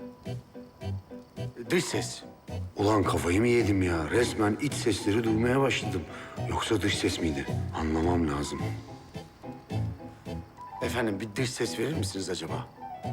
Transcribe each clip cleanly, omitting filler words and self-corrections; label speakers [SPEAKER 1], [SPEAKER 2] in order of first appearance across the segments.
[SPEAKER 1] Dış ses. Ulan kafayı mı yedim ya? Resmen iç sesleri duymaya başladım. Yoksa dış ses miydi? Anlamam lazım. Efendim bir dış ses verir misiniz acaba?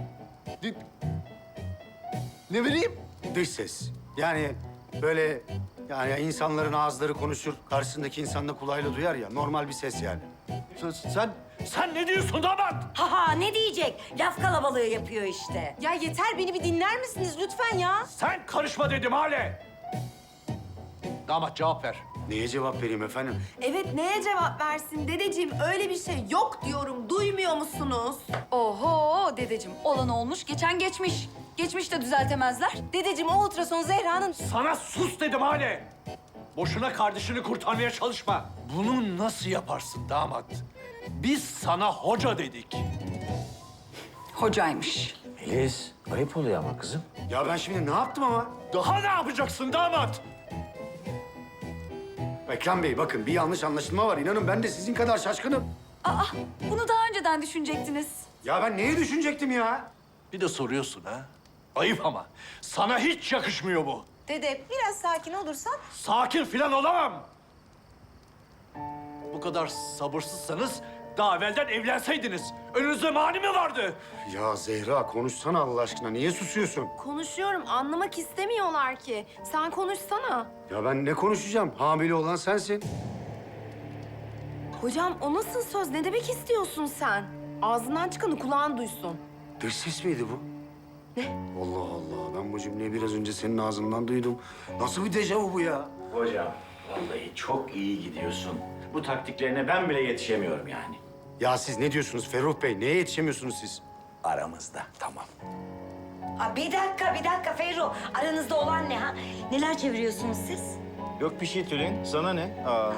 [SPEAKER 2] Ne vereyim?
[SPEAKER 1] Dış ses. Yani böyle yani insanların ağızları konuşur, karşısındaki insan da kulağıyla duyar ya. Normal bir ses yani.
[SPEAKER 2] Sen ne diyorsun damat?
[SPEAKER 3] Ha ne diyecek? Laf kalabalığı yapıyor işte.
[SPEAKER 4] Ya yeter, beni bir dinler misiniz lütfen ya?
[SPEAKER 2] Sen karışma dedim Hale. Damat cevap ver.
[SPEAKER 1] Neye cevap vereyim efendim?
[SPEAKER 4] Evet, neye cevap versin dedeciğim? Öyle bir şey yok diyorum, duymuyor musunuz?
[SPEAKER 5] Oho dedeciğim, olan olmuş, geçen geçmiş. Geçmiş de düzeltemezler.
[SPEAKER 4] Dedeciğim, o ultrason Zehra'nın...
[SPEAKER 2] Sana sus dedim Hale. Boşuna kardeşini kurtarmaya çalışma. Bunu nasıl yaparsın damat? Biz sana hoca dedik.
[SPEAKER 5] Hocaymış.
[SPEAKER 6] Melis, ayıp oluyor ama kızım.
[SPEAKER 1] Ya ben şimdi ne yaptım ama?
[SPEAKER 2] Daha ne yapacaksın damat?
[SPEAKER 1] Ekrem Bey bakın bir yanlış anlaşılma var. İnanın ben de sizin kadar şaşkınım.
[SPEAKER 5] Aa, bunu daha önceden düşünecektiniz.
[SPEAKER 1] Ya ben neyi düşünecektim ya?
[SPEAKER 2] Bir de soruyorsun ha. Ayıp ama. Sana hiç yakışmıyor bu.
[SPEAKER 4] Dede, biraz sakin olursan...
[SPEAKER 2] Sakin filan olamam. Bu kadar sabırsızsanız daha evvelden evlenseydiniz. Önünüzde mani mi vardı?
[SPEAKER 1] Ya Zehra konuşsana Allah aşkına. Niye susuyorsun?
[SPEAKER 4] Konuşuyorum, anlamak istemiyorlar ki. Sen konuşsana.
[SPEAKER 1] Ya ben ne konuşacağım? Hamile olan sensin.
[SPEAKER 4] Hocam, o nasıl söz? Ne demek istiyorsun sen? Ağzından çıkanı kulağın duysun.
[SPEAKER 1] Dış ses miydi bu?
[SPEAKER 4] Ne?
[SPEAKER 1] Allah Allah. Ben bu cümleyi biraz önce senin ağzından duydum. Nasıl bir dejavu bu ya?
[SPEAKER 6] Hocam, vallahi çok iyi gidiyorsun. Bu taktiklerine ben bile yetişemiyorum yani.
[SPEAKER 1] Ya siz ne diyorsunuz Ferruh Bey? Neye yetişemiyorsunuz siz?
[SPEAKER 6] Aramızda, tamam.
[SPEAKER 3] Aa, bir dakika Ferruh. Aranızda olan ne ha? Neler çeviriyorsunuz siz?
[SPEAKER 7] Yok bir şey Tülin. Sana ne? Aa.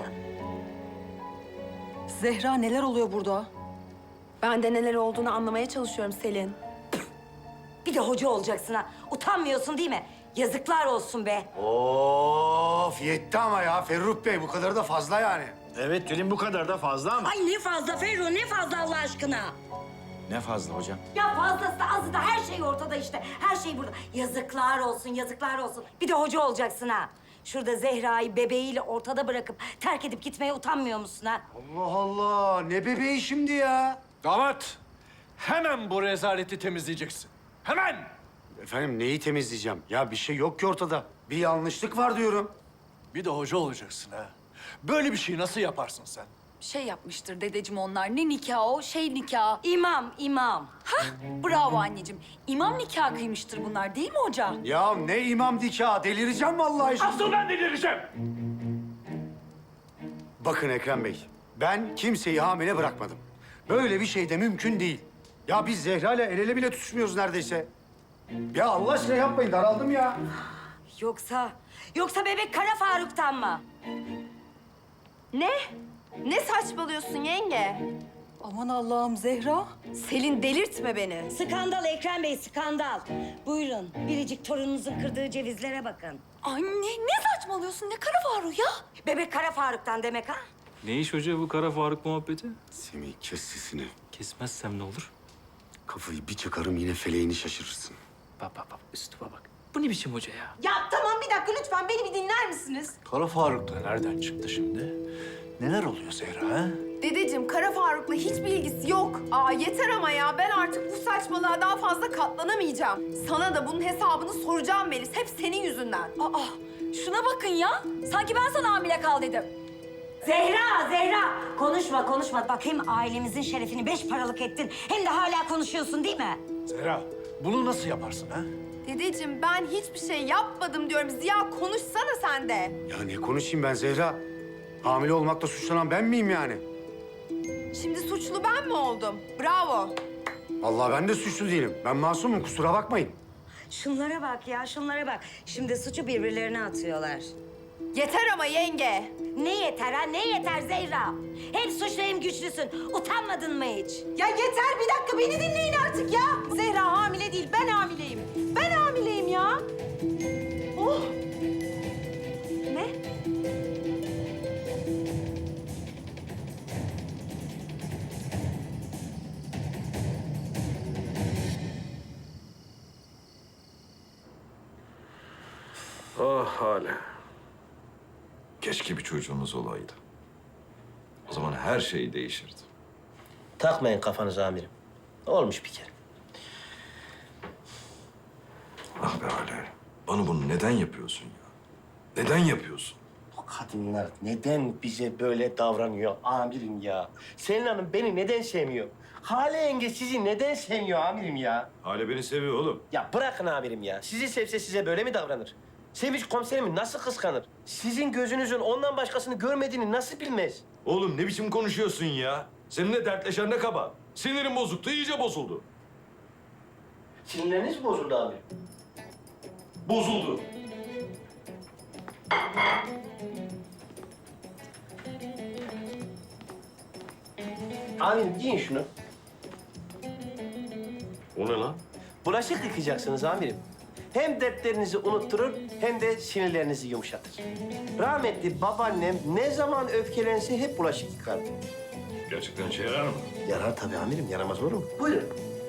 [SPEAKER 5] Zehra neler oluyor burada?
[SPEAKER 4] Ben de neler olduğunu anlamaya çalışıyorum Selin.
[SPEAKER 3] Bir de hoca olacaksın ha. Utanmıyorsun değil mi? Yazıklar olsun be.
[SPEAKER 1] Of yetti ama ya Ferruh Bey. Bu kadar da fazla yani.
[SPEAKER 7] Evet Tülin bu kadar da fazla ama.
[SPEAKER 3] Ay ne fazla Ferruh, ne fazla Allah aşkına.
[SPEAKER 7] Ne fazla hocam?
[SPEAKER 3] Ya fazlası da azı da her şey ortada işte. Her şey burada. Yazıklar olsun, yazıklar olsun. Bir de hoca olacaksın ha. Şurada Zehra'yı bebeğiyle ortada bırakıp terk edip gitmeye utanmıyor musun ha?
[SPEAKER 1] Allah Allah. Ne bebeği şimdi ya?
[SPEAKER 2] Damat, hemen bu rezaleti temizleyeceksin. Hemen!
[SPEAKER 1] Efendim neyi temizleyeceğim? Ya bir şey yok ki ortada. Bir yanlışlık var diyorum.
[SPEAKER 2] Bir de hoca olacaksın ha. Böyle bir şeyi nasıl yaparsın sen?
[SPEAKER 5] Şey yapmıştır dedeciğim onlar. Ne nikahı o? Şey nikahı.
[SPEAKER 3] İmam.
[SPEAKER 5] Hah, bravo anneciğim. İmam nikahı kıymıştır bunlar değil mi hoca?
[SPEAKER 1] Ya ne imam nikahı? Delireceğim vallahi şimdi.
[SPEAKER 2] Asıl ben delireceğim.
[SPEAKER 1] Bakın Ekrem Bey, ben kimseyi hamile bırakmadım. Böyle bir şey de mümkün değil. Ya biz Zehra ile el ele bile tutuşmuyoruz neredeyse. Ya Allah aşkına yapmayın, daraldım ya.
[SPEAKER 3] Yoksa bebek Kara Faruk'tan mı?
[SPEAKER 4] Ne? Ne saçmalıyorsun yenge?
[SPEAKER 5] Aman Allah'ım Zehra.
[SPEAKER 4] Selin, delirtme beni.
[SPEAKER 3] Skandal Ekrem Bey, skandal. Buyurun, biricik torununuzun kırdığı cevizlere bakın.
[SPEAKER 5] Anne ne saçmalıyorsun? Ne kara Faruk ya?
[SPEAKER 3] Bebek Kara Faruk'tan demek ha?
[SPEAKER 8] Ne iş hoca bu Kara Faruk muhabbeti?
[SPEAKER 1] Semih kes sesini.
[SPEAKER 8] Kesmezsem ne olur?
[SPEAKER 1] Kafayı bir çıkarım yine feleğini şaşırırsın.
[SPEAKER 8] Bak üstüme bak. Bu ne biçim hoca ya?
[SPEAKER 4] Ya tamam, bir dakika lütfen beni bir dinler misiniz?
[SPEAKER 2] Kara Faruk da nereden çıktı şimdi? Neler oluyor Zehra ha?
[SPEAKER 4] Dedeciğim, Kara Faruk'la hiçbir ilgisi yok. Aa yeter ama ya, ben artık bu saçmalığa daha fazla katlanamayacağım. Sana da bunun hesabını soracağım Melis, hep senin yüzünden.
[SPEAKER 5] Aa, şuna bakın ya. Sanki ben sana hamile kal dedim.
[SPEAKER 3] Zehra! Konuşma. Bak hem ailemizin şerefini 5 paralık ettin, hem de hala konuşuyorsun değil mi?
[SPEAKER 2] Zehra, bunu nasıl yaparsın ha?
[SPEAKER 4] Dedeciğim, ben hiçbir şey yapmadım diyorum. Ziya, konuşsana sen de.
[SPEAKER 1] Ya ne konuşayım ben Zehra? Hamile olmakla suçlanan ben miyim yani?
[SPEAKER 4] Şimdi suçlu ben mi oldum? Bravo.
[SPEAKER 1] Allah ben de suçlu değilim. Ben masumum, kusura bakmayın.
[SPEAKER 3] Şunlara bak ya, şunlara bak. Şimdi suçu birbirlerine atıyorlar.
[SPEAKER 4] Yeter ama yenge.
[SPEAKER 3] Ne yeter ha, ne yeter Zehra? Hem suçlu hem güçlüsün. Utanmadın mı hiç?
[SPEAKER 4] Ya yeter, bir dakika beni dinleyin artık ya. Zehra hamile değil, ben hamileyim. Ben hamileyim ya. Oh. Ne?
[SPEAKER 9] Ah Hale. Keşke bir çocuğumuz olaydı. O zaman her şey değişirdi.
[SPEAKER 10] Takmayın kafanıza amirim. Olmuş bir kere.
[SPEAKER 9] Ah be Hale. Bana bunu neden yapıyorsun ya? Neden yapıyorsun?
[SPEAKER 10] O kadınlar neden bize böyle davranıyor amirim ya? Selin Hanım beni neden sevmiyor? Hale yenge sizi neden sevmiyor amirim ya?
[SPEAKER 9] Hale beni seviyor oğlum.
[SPEAKER 10] Ya bırakın amirim ya. Sizi sevse size böyle mi davranır? Sevinç komiserimi nasıl kıskanır? Sizin gözünüzün ondan başkasını görmediğini nasıl bilmez?
[SPEAKER 9] Oğlum ne biçim konuşuyorsun ya? Seninle dertleşen ne kaba? Sinirim bozuktu, iyice bozuldu.
[SPEAKER 10] Sinirleriniz mi bozuldu amirim?
[SPEAKER 9] Bozuldu.
[SPEAKER 10] Amirim giyin şunu.
[SPEAKER 9] O ne lan?
[SPEAKER 10] Bulaşık yıkayacaksınız amirim. Hem dertlerinizi unutturur hem de sinirlerinizi yumuşatır. Rahmetli babaannem ne zaman öfkelense hep bulaşık yıkardı.
[SPEAKER 9] Gerçekten işe yarar mı?
[SPEAKER 10] Yarar tabii amirim, yaramaz olur mu? Buyurun.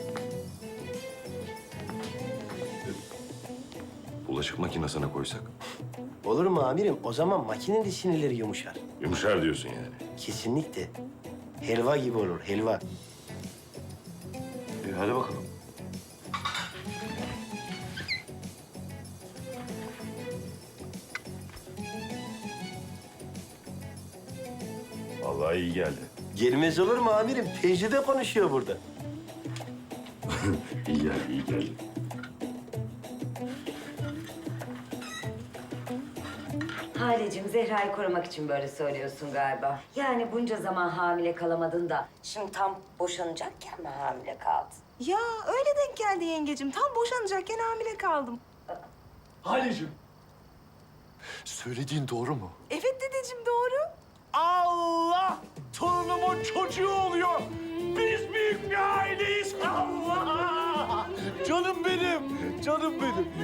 [SPEAKER 9] Bulaşık makinesine koysak.
[SPEAKER 10] Olur mu amirim? O zaman makinenin de sinirleri yumuşar.
[SPEAKER 9] Yumuşar diyorsun yani.
[SPEAKER 10] Kesinlikle. Helva gibi olur, helva.
[SPEAKER 9] Hadi bakalım. Vallahi iyi geldi.
[SPEAKER 10] Gelmez olur mu amirim? Tecrübe konuşuyor burada.
[SPEAKER 9] İyi geldi, iyi geldi.
[SPEAKER 3] Halecim, Zehra'yı korumak için böyle söylüyorsun galiba. Yani bunca zaman hamile kalamadın da şimdi tam boşanacakken mi hamile kaldın?
[SPEAKER 4] Ya öyle denk geldi yengecim. Tam boşanacakken hamile kaldım.
[SPEAKER 2] Halicim. Söylediğin doğru mu?
[SPEAKER 4] Evet dedeciğim doğru.
[SPEAKER 2] Allah! Torunumun çocuğu oluyor. Biz büyük bir aileyiz. Allah! Canım benim, canım benim.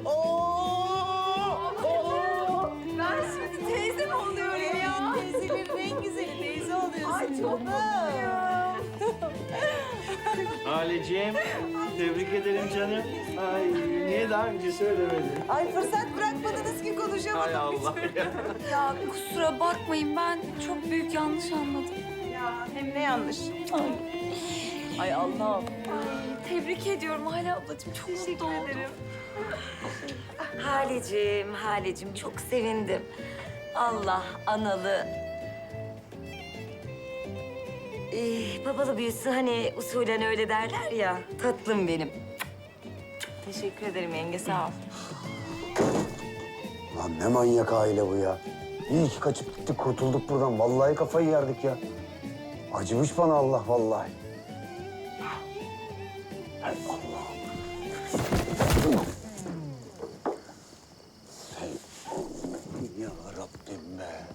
[SPEAKER 4] Ben şimdi teyze mi oluyorum ya? Teyzelerin en güzeli teyze oluyorsun. Ay çok mutluyum.
[SPEAKER 7] Haleciğim, tebrik ederim canım. Ay, niye daha önce söylemedin?
[SPEAKER 4] Ay fırsat bırakmadınız ki konuşamadım.
[SPEAKER 7] Hay Allah.
[SPEAKER 5] Ya kusura bakmayın ben çok büyük yanlış anladım.
[SPEAKER 4] Ya hem ne yanlış. Ay Allah'ım.
[SPEAKER 5] Tebrik ediyorum Hale ablacığım. Çok mutlu oldum.
[SPEAKER 3] Halecim çok sevindim. Allah analı, babalı büyüsün hani usulen öyle derler ya. Tatlım benim.
[SPEAKER 4] Teşekkür ederim yenge sağ ol.
[SPEAKER 1] Lan ne manyak aile bu ya. İyi ki kaçıp gittik, kurtulduk buradan. Vallahi kafayı yerdik ya. Acımış bana Allah vallahi. Hay Allah'ım. Hey Allah'ım ya Rabbim be.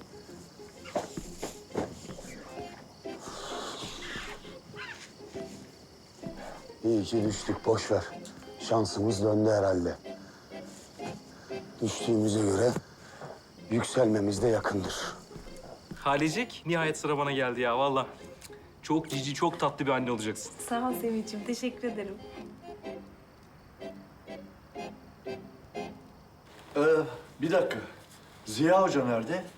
[SPEAKER 1] İyi ki düştük, boş ver. Şansımız döndü herhalde. Düştüğümüze göre yükselmemiz de yakındır.
[SPEAKER 8] Halecik, nihayet sıra bana geldi ya vallahi. Çok cici, çok tatlı bir anne olacaksın.
[SPEAKER 4] Sağ ol Sevinç'im teşekkür ederim.
[SPEAKER 11] Bir dakika. Ziya Hoca nerede?